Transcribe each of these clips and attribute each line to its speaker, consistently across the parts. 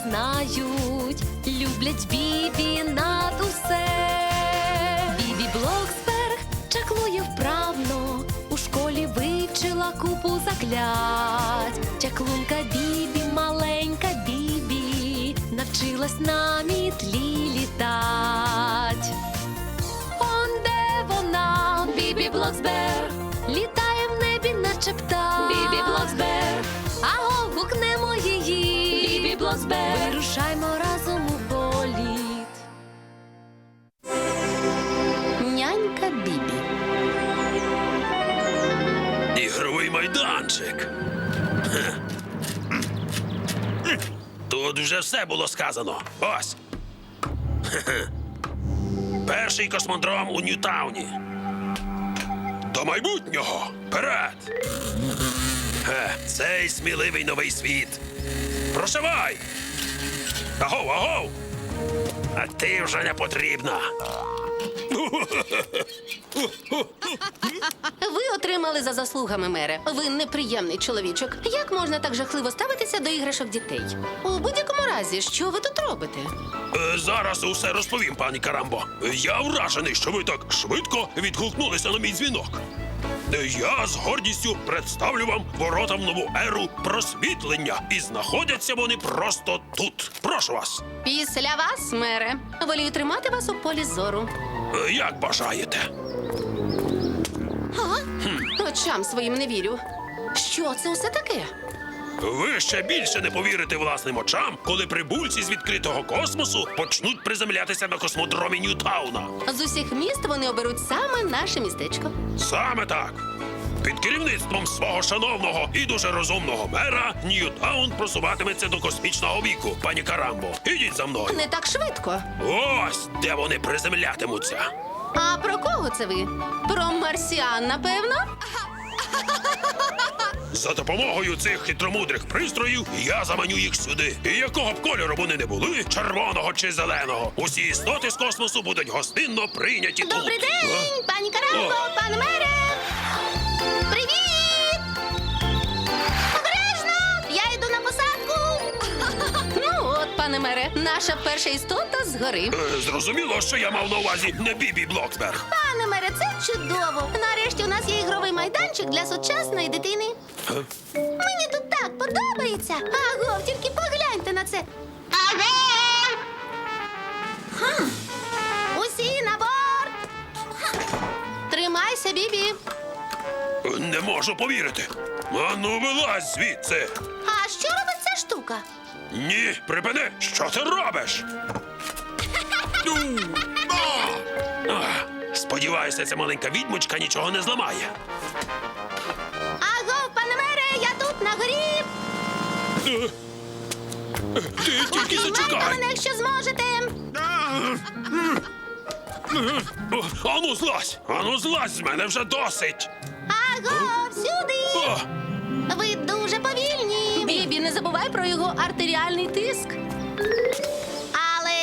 Speaker 1: знають, люблять Бібі над усе. Бібі Блоксберг чаклує вправно, у школі вивчила купу заклять. Чаклунка Бібі, маленька Бібі, навчилась на мітлі літать. Он де вона, Бібі Блоксберг, літає в небі, наче птах. Бібі Блоксберг, аго, гукнемо її. Бібі Блоксберг, вирушаймо разом у політ. Нянька Бібі.
Speaker 2: Ігровий майданчик. Хе. Тут вже все було сказано. Ось. Хе-хе. Перший космодром у Ньютауні. До майбутнього! Вперед! Цей сміливий новий світ. Прощавай! Агов, агов! А ти вже не потрібна.
Speaker 3: Ви отримали за заслугами, мере. Ви неприємний чоловічок. Як можна так жахливо ставитися до іграшок дітей? У будь-якому разі, що ви тут робите?
Speaker 2: Зараз усе розповім, пані Карамбо. Я вражений, що ви так швидко відгукнулися на мій дзвінок. Я з гордістю представлю вам ворота в нову еру просвітлення. І знаходяться вони просто тут. Прошу вас.
Speaker 3: Після вас, мере. Волію тримати вас у полі зору.
Speaker 2: Як бажаєте.
Speaker 3: Очам своїм не вірю. Що це усе таке?
Speaker 2: Ви ще більше не повірите власним очам, коли прибульці з відкритого космосу почнуть приземлятися на космодромі Ньютауна.
Speaker 3: З усіх міст вони оберуть саме наше містечко.
Speaker 2: Саме так. Під керівництвом свого шановного і дуже розумного мера Ньютаун просуватиметься до космічного віку, пані Карамбо. Ідіть за мною.
Speaker 3: Не так швидко.
Speaker 2: Ось де вони приземлятимуться.
Speaker 3: А про кого це ви? Про марсіан, напевно?
Speaker 2: За допомогою цих хитромудрих пристроїв я заманю їх сюди. І якого б кольору вони не були, червоного чи зеленого, усі істоти з космосу будуть гостинно прийняті тут.
Speaker 3: Добрий день, пані Карамбо, пане мере! Привіт! Обережно! Я йду на посадку! Ну от, пане мере, наша перша істота згори.
Speaker 2: Зрозуміло, що я мав на увазі не Бібі Блоксберг.
Speaker 3: Пане мере, це чудово! Нарешті у нас є ігровий майданчик для сучасної дитини. Мені тут так подобається. Агов, тільки погляньте на це. Агов! Усі на борт! Тримайся, Бібі.
Speaker 2: Не можу повірити. Ану, вилазь звідси.
Speaker 3: А що робить ця штука?
Speaker 2: Ні, припини, що ти робиш? Сподіваюся, ця маленька відьмочка нічого не зламає.
Speaker 3: Агов, пане мере, я тут на горі.
Speaker 2: Ти тільки
Speaker 3: Обіймайте
Speaker 2: зачекай.
Speaker 3: мене, якщо зможете.
Speaker 2: Ану злазь з мене вже досить.
Speaker 3: Агов, сюди.
Speaker 2: О,
Speaker 3: Ви дуже повільні. Бібі, не забувай про його артеріальний тиск. Але...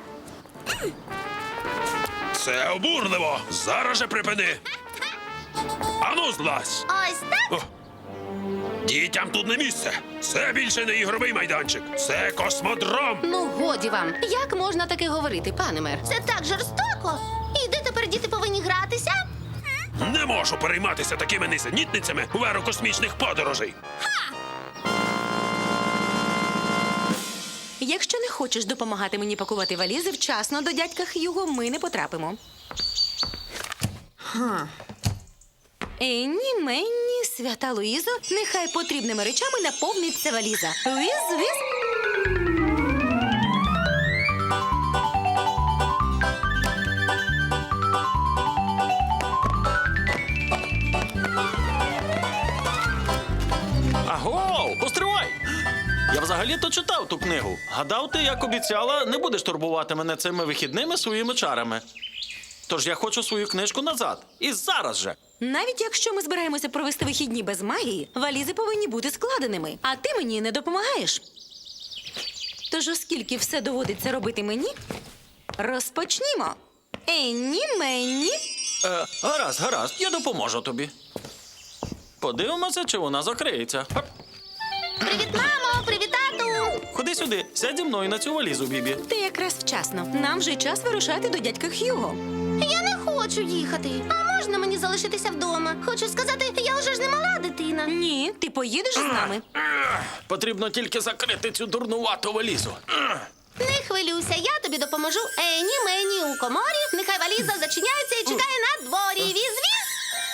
Speaker 2: це обурливо. Зараз же припини. Ану злазь.
Speaker 3: Ось так.
Speaker 2: Дітям тут не місце. Це більше не ігровий майданчик. Це космодром.
Speaker 3: Ну, годі вам. Як можна таке говорити, пане мер? Це так жорстоко. І де тепер діти повинні гратися?
Speaker 2: Не можу перейматися такими нісенітницями в еру космічних подорожей.
Speaker 4: Якщо не хочеш допомагати мені пакувати валізи, вчасно до дядька Х'юго ми не потрапимо. Енні, Менні, свята Луїзо, нехай потрібними речами наповниться валіза. Віз.
Speaker 5: Аго, постривай! Я взагалі-то читав ту книгу. Гадав, ти, як обіцяла, не будеш турбувати мене цими вихідними своїми чарами. Тож я хочу свою книжку назад. І зараз же.
Speaker 4: Навіть якщо ми збираємося провести вихідні без магії, валізи повинні бути складеними, а ти мені не допомагаєш. Тож, оскільки все доводиться робити мені, розпочнімо. Енні, Менні.
Speaker 5: Гаразд, я допоможу тобі. Подивимося, чи вона закриється. Хоп.
Speaker 3: Привіт, мамо! Привіт, тату!
Speaker 5: Ходи Іди сюди, сядь зі мною на цю валізу, Бібі.
Speaker 4: Ти якраз вчасно. Нам вже час вирушати до дядька Х'юго.
Speaker 3: Я не хочу їхати. А можна мені залишитися вдома? Хочу сказати, я вже ж не мала дитина.
Speaker 4: Ні, ти поїдеш з нами.
Speaker 5: Потрібно тільки закрити цю дурнувату валізу.
Speaker 3: Не хвилюйся, я тобі допоможу. Ені мені у коморі. Нехай валіза зачиняється і чекає на дворі. Віз-віз.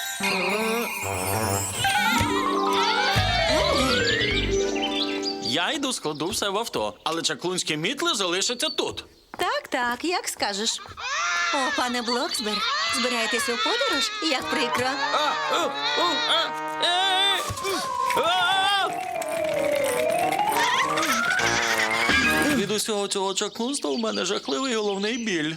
Speaker 5: Я йду складу все в авто, але чаклунські мітли залишаться тут.
Speaker 4: Так, як скажеш. О, пане Блоксберг, збираєтесь у подорож? Як прикро.
Speaker 5: Від усього цього чаклунства у мене жахливий головний біль.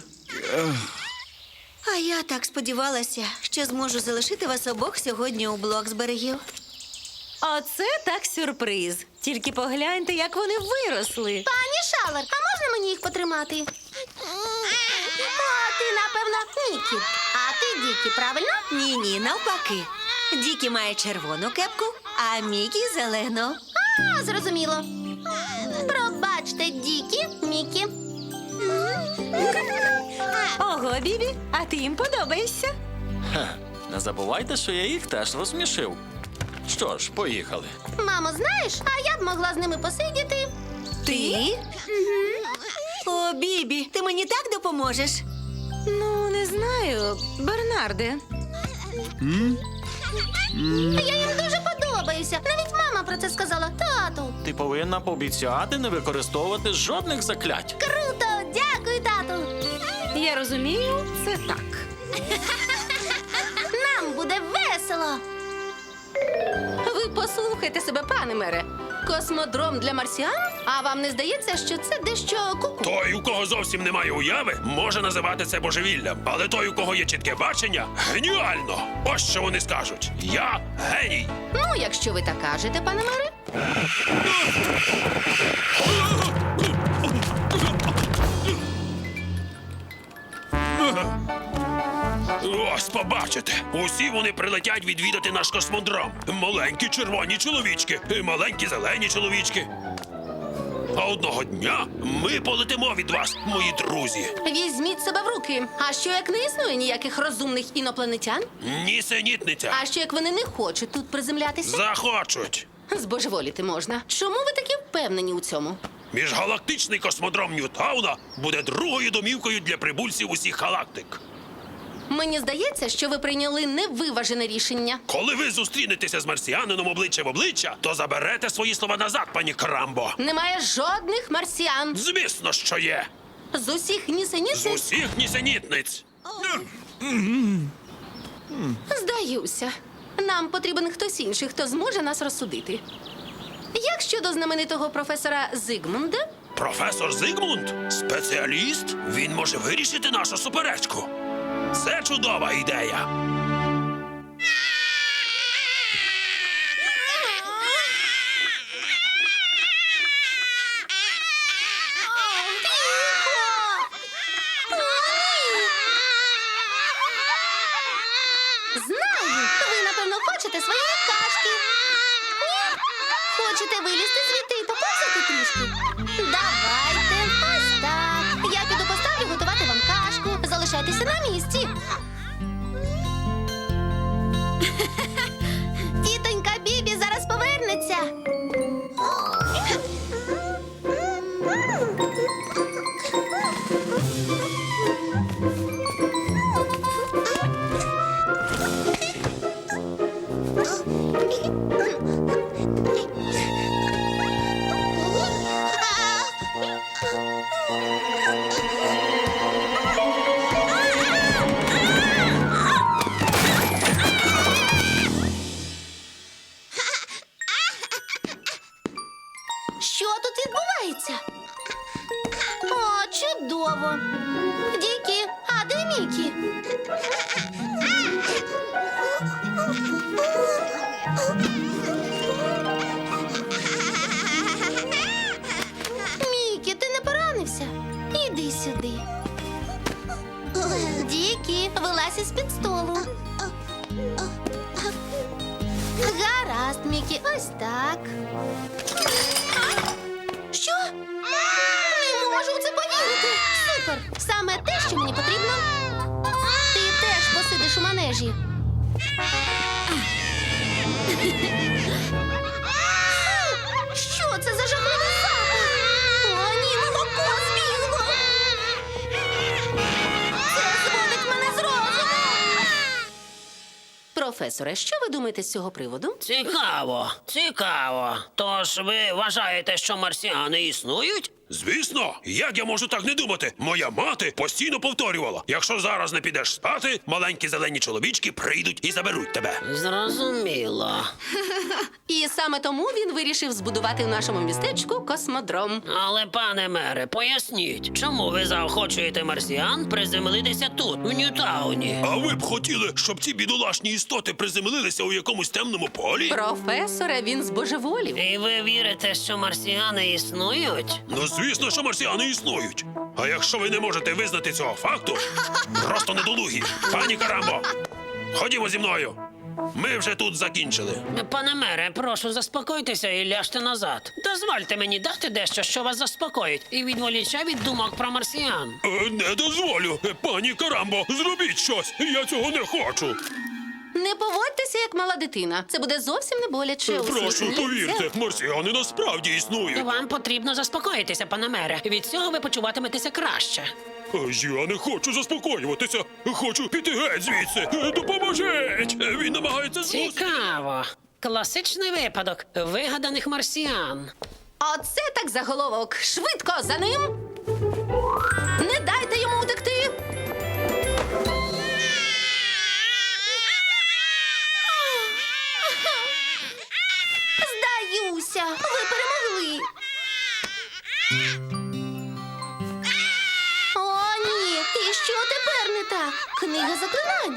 Speaker 6: А я так сподівалася, що зможу залишити вас обох сьогодні у Блоксбергів.
Speaker 4: Оце так сюрприз. Тільки погляньте, як вони виросли.
Speaker 3: Пані Шалер, а можна мені їх потримати? А ти, напевно, Нікі. А ти Дікі, правильно?
Speaker 6: Ні, навпаки. Дікі має червону кепку, а Мікі зелену.
Speaker 3: А, зрозуміло. Пробачте, Дікі, Мікі.
Speaker 4: Ого, Бібі, а ти їм подобаєшся.
Speaker 5: Не забувайте, що я їх теж розсмішив. Що ж, поїхали.
Speaker 3: Мамо, знаєш, а я б могла з ними посидіти.
Speaker 6: Ти? О, Бібі, ти мені так допоможеш?
Speaker 4: Ну, не знаю, Бернарде.
Speaker 3: Я їм дуже подобаюся. Навіть мама про це сказала. Тату.
Speaker 5: Ти повинна пообіцяти не використовувати жодних заклять.
Speaker 3: Круто! Дякую, тату.
Speaker 4: Я розумію, це так.
Speaker 3: Нам буде весело.
Speaker 1: Ви послухайте себе, пане мере. Космодром для марсіан? А вам не здається, що це дещо куку?
Speaker 2: Той, у кого зовсім немає уяви, може називати це божевіллям. Але той, у кого є чітке бачення, геніально! Ось що вони скажуть. Я геній.
Speaker 1: Ну, якщо ви так кажете, пане мере.
Speaker 2: Ось побачите. Усі вони прилетять відвідати наш космодром. Маленькі червоні чоловічки і маленькі зелені чоловічки. А одного дня ми полетимо від вас, мої друзі.
Speaker 1: Візьміть себе в руки. А що як не існує ніяких розумних інопланетян?
Speaker 2: Нісенітниця.
Speaker 1: А що як вони не хочуть тут приземлятися?
Speaker 2: Захочуть.
Speaker 1: Збожеволіти можна. Чому ви такі впевнені у цьому?
Speaker 2: Міжгалактичний космодром Ньютауна буде другою домівкою для прибульців усіх галактик.
Speaker 1: Мені здається, що ви прийняли невиважене рішення.
Speaker 2: Коли ви зустрінетеся з марсіанином обличчя в обличчя, то заберете свої слова назад, пані Карамбо.
Speaker 1: Немає жодних марсіан.
Speaker 2: Звісно, що є.
Speaker 1: З усіх
Speaker 2: З
Speaker 1: нісенітниць
Speaker 2: усіх нісенітниць.
Speaker 1: здаюся. Нам потрібен хтось інший, хто зможе нас розсудити. Як щодо знаменитого професора Зигмунда?
Speaker 2: Професор Зигмунд? Спеціаліст? Він може вирішити нашу суперечку. Це чудова ідея.
Speaker 3: Знаю, ви, напевно, хочете своєї кашки. Ні? Хочете вилізти звідти і поповзати трішки? Давайте. Ось так. Я піду поставлю готувати вам кашку. Залишайтеся на місці. Тітонька Бібі зараз повернеться. Що тут відбувається? О, чудово! Дікі, а де Мікі? Мікі, ти не поранився? Іди сюди. Дікі, вилазь із-під столу. Гаразд, Мікі, ось так. Що? Супер! Саме те, що мені потрібно. Ти теж посидиш у манежі. Що це за жахливий запах? О, ні, молоко збігло! Це зводить мене з розуму!
Speaker 1: Професоре, що ви думаєте з цього приводу?
Speaker 7: Цікаво, цікаво. Тож ви вважаєте, що марсіани існують?
Speaker 2: Звісно, як я можу так не думати? Моя мати постійно повторювала: якщо зараз не підеш спати, маленькі зелені чоловічки прийдуть і заберуть тебе.
Speaker 7: Зрозуміло.
Speaker 1: І саме тому він вирішив збудувати в нашому містечку космодром.
Speaker 7: Але, пане мере, поясніть, чому ви заохочуєте марсіан приземлитися тут, в Ньютауні?
Speaker 2: А ви б хотіли, щоб ці бідолашні істоти приземлилися у якомусь темному полі?
Speaker 1: Професоре, він збожеволів.
Speaker 7: І ви вірите, що марсіани існують?
Speaker 2: Ну, звісно, що марсіани існують. А якщо ви не можете визнати цього факту, просто недолугі. Пані Карамбо, ходімо зі мною. Ми вже тут закінчили.
Speaker 7: Пане мере, прошу, заспокойтеся і ляжте назад. Дозвольте мені дати дещо, що вас заспокоїть, і відволіче від думок про марсіан.
Speaker 2: Не дозволю. Пані Карамбо, зробіть щось. Я цього не хочу.
Speaker 1: Не поводьтеся, як мала дитина. Це буде зовсім не боляче.
Speaker 2: Прошу,
Speaker 1: Усміхніться.
Speaker 2: повірте, марсіани насправді існують.
Speaker 7: Вам потрібно заспокоїтися, пане мере. Від цього ви почуватиметеся краще.
Speaker 2: Я не хочу заспокоюватися. Хочу піти геть звідси. Допоможіть! Він намагається
Speaker 7: Цікаво. Класичний випадок вигаданих марсіан.
Speaker 1: Оце так заголовок. Швидко за ним. Не дайте йому утекти.
Speaker 3: Здаюся! Ви перемогли! О, ні! І що тепер не так? Книга заклинань!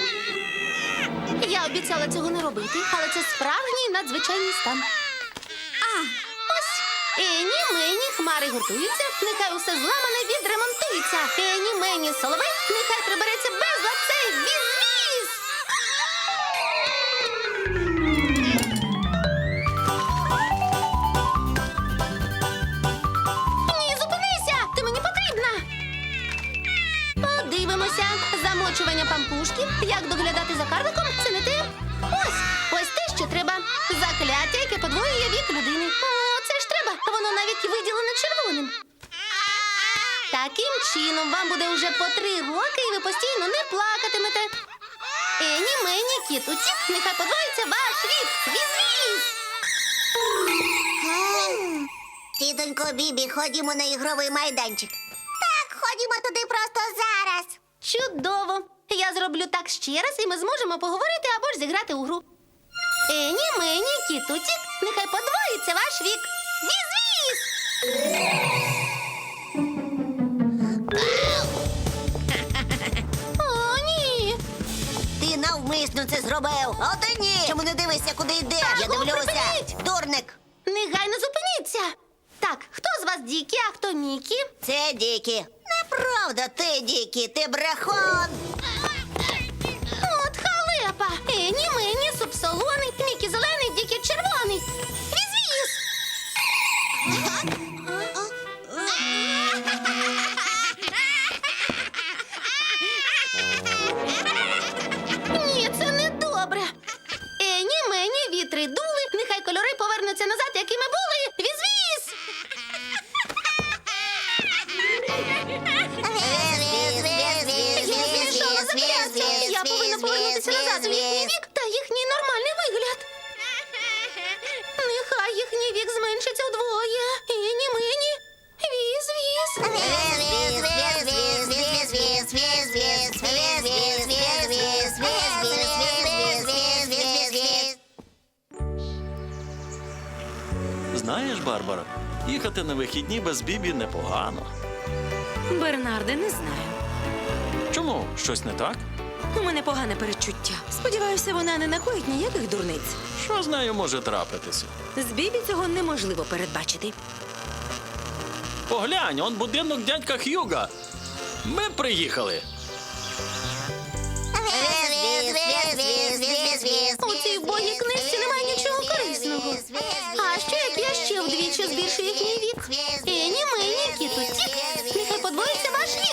Speaker 3: Я обіцяла цього не робити, але це справжній надзвичайний стан. Ось! Ені, мені, хмари гуртуються, нехай усе зламане відремонтується. Ені, мені, соловей, нехай прибереться безлад цей віз-віз! Ні, зупинися! Ти мені потрібна! Подивимося. Замочування пампушків. Як доглядати за карликом? Це не те. Ось те, що треба. Закляття, яке подвоює вік людини. О, це ж треба. Воно навіть виділене червоним. Таким чином вам буде уже по 3 роки, і ви постійно не плакатимете. Ені, мені, кітуці, нехай подвоїться ваш вік. Віз-віз!
Speaker 8: Тітонько Бібі, ходімо на ігровий майданчик. Так, ходімо туди просто зараз.
Speaker 3: Чудово! Я зроблю так ще раз, і ми зможемо поговорити або ж зіграти у гру. Ені, мені, кітуцік, нехай подвоїться ваш вік. Віз-віз! О, ні!
Speaker 8: Ти навмисно це зробив. А ти ні. Чому не дивишся, куди йдеш? Я
Speaker 3: Аго,
Speaker 8: дивлюся.
Speaker 3: припиніть!
Speaker 8: Дурник.
Speaker 3: Негайно зупиніться! Так, хто з вас Дікі, а хто Мікі?
Speaker 8: Це Дікі. Неправда, ти Дікі, ти брехун.
Speaker 3: От халепа! Ені, мені, субсолоний, Мікі зелений, Дікі червоний. Віз-віз! Ні, це не добре. Ені, мені, вітри дули, нехай кольори повернуться назад, якими були. Віз-віз! Я змішала закляття. Я повинна повернутися назад у їхній вік та їхній нормальний вигляд. Нехай їхній вік зменшиться вдвоє. Ені, мені. Віз-віз.
Speaker 5: Знаєш, Барбара, їхати на вихідні без Бібі непогано.
Speaker 4: Бернарде, не знаю.
Speaker 5: Чому? Щось не так?
Speaker 4: У мене погане передчуття. Сподіваюся, вона не накоїть ніяких дурниць.
Speaker 5: Що з нею може трапитися?
Speaker 4: З Бібі цього неможливо передбачити.
Speaker 5: Поглянь, он будинок дядька Х'юга. Ми приїхали.
Speaker 3: У цій вбогій книжці немає нічого корисного. А що як я ще вдвічі збільшу їхній вік? Ені, мені, кітуці, нехай подвоїться ваш вік.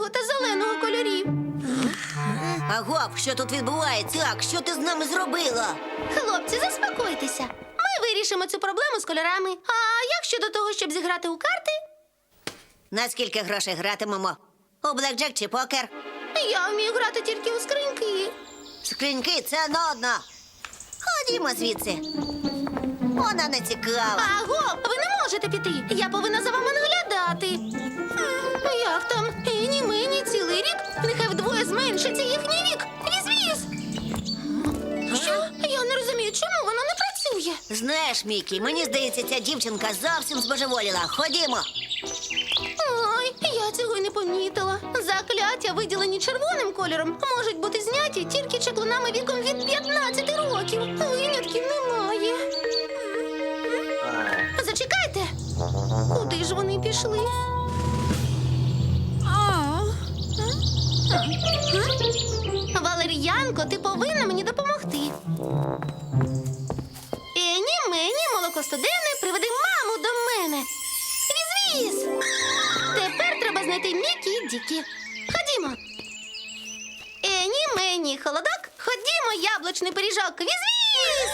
Speaker 1: білого та зеленого кольорів.
Speaker 6: Агов, що тут відбувається? Так, що ти з нами зробила?
Speaker 1: Хлопці, заспокойтеся. Ми вирішимо цю проблему з кольорами. А як щодо того, щоб зіграти у карти?
Speaker 6: На скільки грошей гратимемо? У блекджек чи покер?
Speaker 1: Я вмію грати тільки у скриньки.
Speaker 6: Скриньки — це нудно. Ходімо звідси. Вона не цікава.
Speaker 1: Аго, ви не можете піти. Я повинна за вами наглядати. Як там? Ені мені цілий рік? Нехай вдвоє зменшиться їхній вік. Віз-віз! Що? Я не розумію, чому воно не працює.
Speaker 6: Знаєш, Мікі, мені здається, ця дівчинка зовсім збожеволіла. Ходімо.
Speaker 1: Ой, я цього й не помітила. Закляття, виділені червоним кольором, можуть бути зняті тільки чаклунами віком від 15 років. Винятків немає. Зачекайте. Куди ж вони пішли? Валер'янко, ти повинна мені допомогти. Ені, мені, молокостуденне, приведи маму до мене. Віз-віз! Тепер треба знайти Мікі і Дікі. Ходімо. Ені, мені, холодок. Ходімо, яблучний пиріжок. Віз-віз!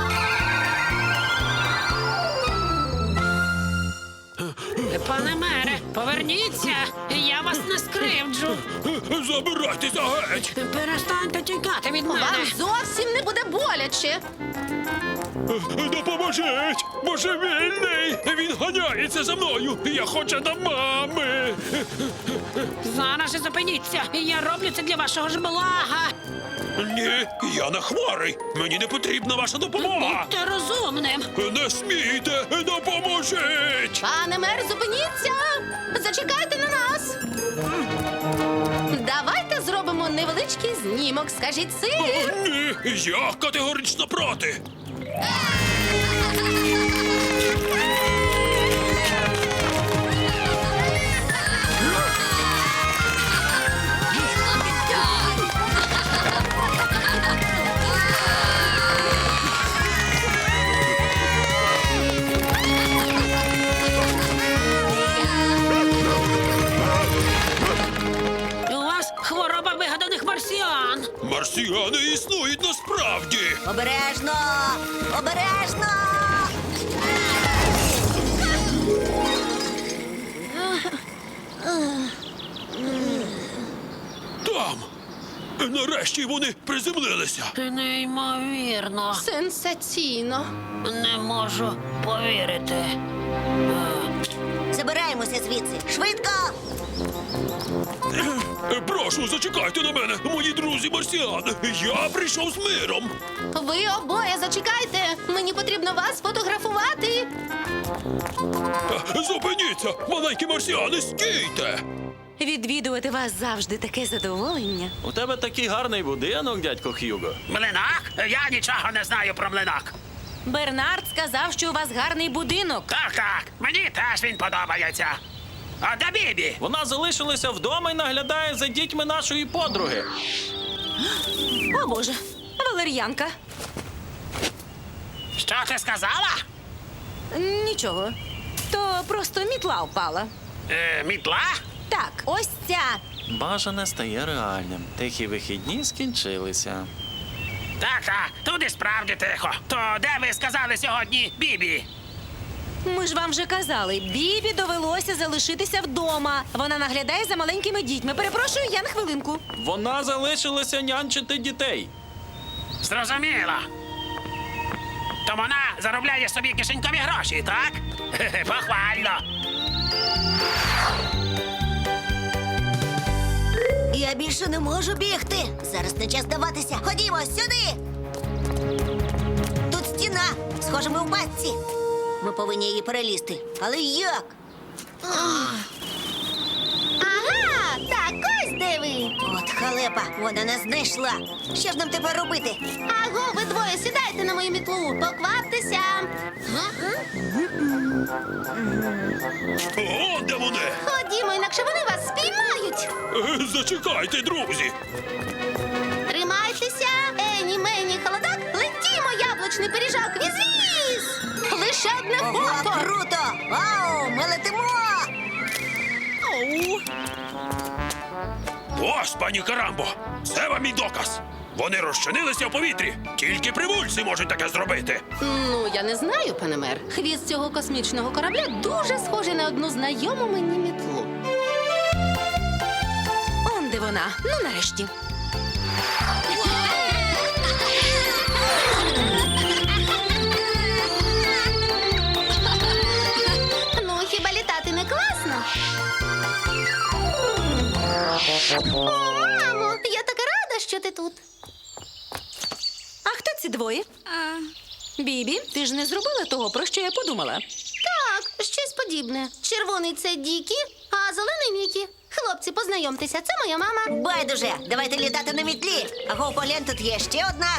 Speaker 7: Пане мере, поверніться, я вас не скривджу.
Speaker 2: Забирайтеся геть!
Speaker 7: Перестаньте тікати від мене.
Speaker 1: Вам зовсім не буде боляче.
Speaker 2: Допоможіть! Божевільний! Він ганяється за мною! Я хочу до мами!
Speaker 7: Зараз же зупиніться, я роблю це для вашого ж блага.
Speaker 2: Ні, я не хворий! Мені не потрібна ваша допомога!
Speaker 7: Будьте розумним.
Speaker 2: Не смійте! Допоможіть!
Speaker 1: Пане мер, зупиніться! Зачекайте на нас! Давайте зробимо невеличкий знімок. Скажіть сир!
Speaker 2: Ні, я категорично проти!
Speaker 7: У вас хвороба вигаданих марсіан.
Speaker 2: Марсіани існують насправді!
Speaker 6: Обережно! Обережно!
Speaker 2: Там! Нарешті вони приземлилися!
Speaker 7: Неймовірно.
Speaker 1: Сенсаційно.
Speaker 7: Не можу повірити.
Speaker 6: Забираємося звідси. Швидко!
Speaker 2: Прошу, зачекайте на мене, мої друзі марсіани! Я прийшов з миром!
Speaker 1: Ви обоє зачекайте. Мені потрібно вас фотографувати.
Speaker 2: Зупиніться! Маленькі марсіани, стійте!
Speaker 4: Відвідувати вас завжди таке задоволення.
Speaker 5: У тебе такий гарний будинок, дядько Х'юго.
Speaker 7: Млинак? Я нічого не знаю про млинак.
Speaker 4: Бернард сказав, що у вас гарний будинок.
Speaker 7: Так, мені теж він подобається. А де Бібі?
Speaker 5: Вона залишилася вдома і наглядає за дітьми нашої подруги.
Speaker 4: О, Боже, валер'янка.
Speaker 7: Що ти сказала?
Speaker 4: Нічого. То просто мітла впала.
Speaker 7: Мітла?
Speaker 4: Так, ось ця.
Speaker 5: Бажане стає реальним. Тихі вихідні скінчилися.
Speaker 7: Так, тут і справді тихо. То де ви сказали сьогодні Бібі?
Speaker 4: Ми ж вам вже казали, Бібі довелося залишитися вдома. Вона наглядає за маленькими дітьми. Перепрошую, я на хвилинку.
Speaker 5: Вона залишилася нянчити дітей.
Speaker 7: Зрозуміло. То вона заробляє собі кишенькові гроші, так? Похвально.
Speaker 6: Я більше не можу бігти. Зараз не час здаватися. Ходімо сюди. Тут стіна. Схоже, ми в пастці. Ми повинні її перелізти. Але як?
Speaker 1: Ага, так ось де ви.
Speaker 6: От халепа, вона нас знайшла. Що ж нам тепер робити?
Speaker 1: Аго, ви двоє сідайте на мою мітлу. Покваптеся.
Speaker 2: О, де вони?
Speaker 1: Ходімо, інакше вони вас спіймають.
Speaker 2: Зачекайте, друзі!
Speaker 1: Тримайтеся. Ені, мені, холодок. Летімо, яблучний пиріжок. Віз-віз. Лише одне
Speaker 6: Ого,
Speaker 1: фото.
Speaker 6: круто! Вау, ми летимо!
Speaker 2: Ось, пані Карамбо, це вам і доказ. Вони розчинилися в повітрі. Тільки привульці можуть таке зробити.
Speaker 1: Ну, я не знаю, пане мер. Хвіст цього космічного корабля дуже схожий на одну знайому мені мітлу.
Speaker 4: Он де вона. Ну, нарешті.
Speaker 1: Ну, хіба літати не класно? О, мамо, я така рада, що ти тут.
Speaker 4: А хто ці двоє? Бібі, ти ж не зробила того, про що я подумала.
Speaker 1: Так, щось подібне. Червоний це Дікі, а зелений Мікі. Хлопці, познайомтеся, це моя мама.
Speaker 6: Байдуже, давайте літати на мітлі. Аго, поглянь, тут є ще одна.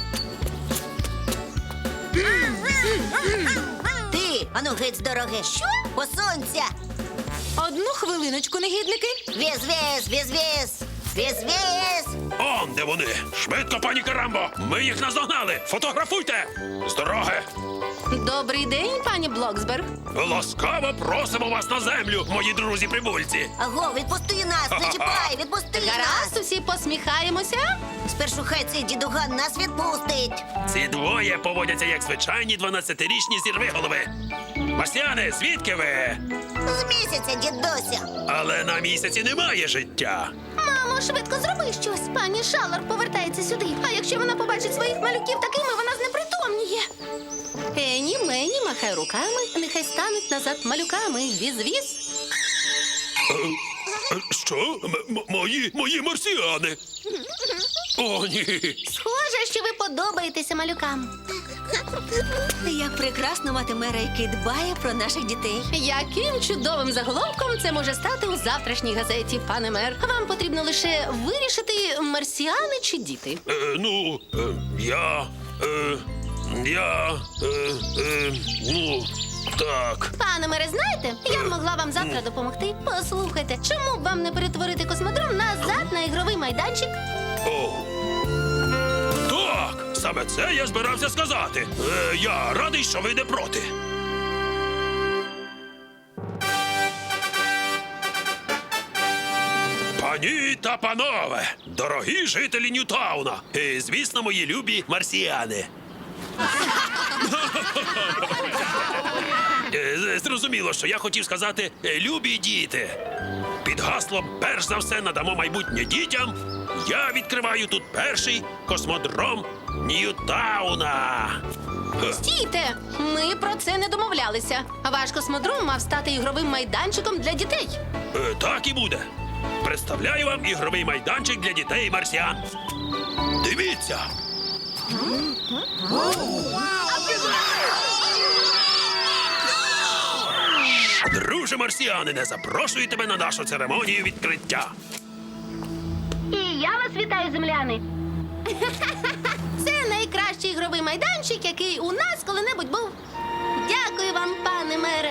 Speaker 6: Ти, ану геть з дороги. Що? Посунься.
Speaker 4: Одну хвилиночку, негідники.
Speaker 6: Віз-віз, віз-віз. Віз-віз.
Speaker 2: Он де вони. Швидко, пані Карамбо. Ми їх наздогнали. Фотографуйте. З дороги.
Speaker 1: Добрий день, пані Блоксберг.
Speaker 2: Ласкаво просимо вас на землю, мої друзі-прибульці.
Speaker 6: Аго, відпусти нас, не чіпай, відпусти
Speaker 1: Гаразд,
Speaker 6: нас.
Speaker 1: усі посміхаємося.
Speaker 6: Спершу хай цей дідуган нас відпустить.
Speaker 2: Ці двоє поводяться як звичайні 12-річні зірвиголови. Марсіани, звідки ви?
Speaker 8: З місяця, дідуся.
Speaker 2: Але на місяці немає життя.
Speaker 1: Мамо, швидко зроби щось. Пані Шалар повертається сюди. А якщо вона побачить своїх малюків такими, вона знепритомніє. Ені, мені, махай руками, нехай стануть назад малюками. Віз-віз.
Speaker 2: Що? Мої марсіани? О, ні.
Speaker 1: Схоже, що ви подобаєтеся малюкам.
Speaker 6: Як прекрасно мати мера, який дбає про наших дітей.
Speaker 1: Яким чудовим заголовком це може стати у завтрашній газеті, пане мер? Вам потрібно лише вирішити, марсіани чи діти.
Speaker 2: Ну, так.
Speaker 1: Пане мере, знаєте, я б могла вам завтра допомогти. Послухайте, чому б вам не перетворити космодром назад на ігровий майданчик?
Speaker 2: О. Так, саме це я збирався сказати. Я радий, що ви не проти. Пані та панове, дорогі жителі Ньютауна і, звісно, мої любі марсіани. Зрозуміло, що я хотів сказати «любі діти». Під гаслом «перш за все надамо майбутнє дітям» я відкриваю тут перший космодром Ньютауна.
Speaker 1: Стійте! Ми про це не домовлялися. Ваш космодром мав стати ігровим майданчиком для дітей.
Speaker 2: Так і буде. Представляю вам ігровий майданчик для дітей марсіан. Дивіться! Друже марсіанине, запрошую тебе на нашу церемонію відкриття.
Speaker 1: І я вас вітаю, земляни. Це найкращий ігровий майданчик, який у нас коли-небудь був. Дякую вам, пане мере.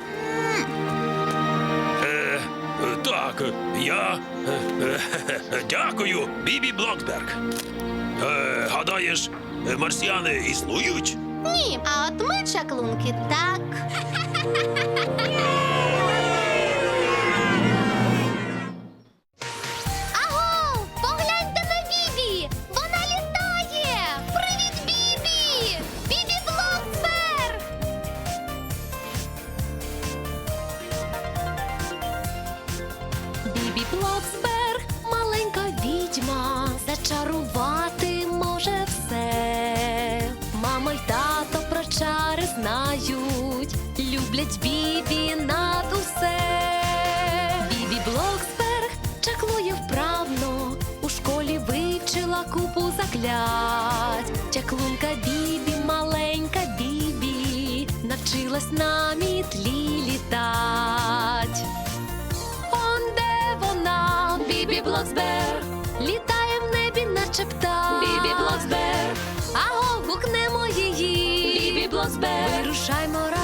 Speaker 2: Так, я дякую, Бібі Блоксберг. Гадаєш, марсіани існують?
Speaker 1: Ні, а от ми, чаклунки, так. Аго, погляньте на Бібі! Вона літає! Привіт, Бібі! Бібі Блоксберг!
Speaker 9: Бібі Блоксберг, маленька відьма, зачарувати може все. Мама й тато про чари знають, люблять Бібі над усе. Бібі Блоксберг чаклує вправно, у школі вивчила купу заклять. Чаклунка Бібі, маленька Бібі, навчилась на мітлі літать. Бібі Блоксберг літає в небі, наче птах. Бібі Блоксберг, аго, гукнемо її. Бібі Блоксберг, вирушаймо разом.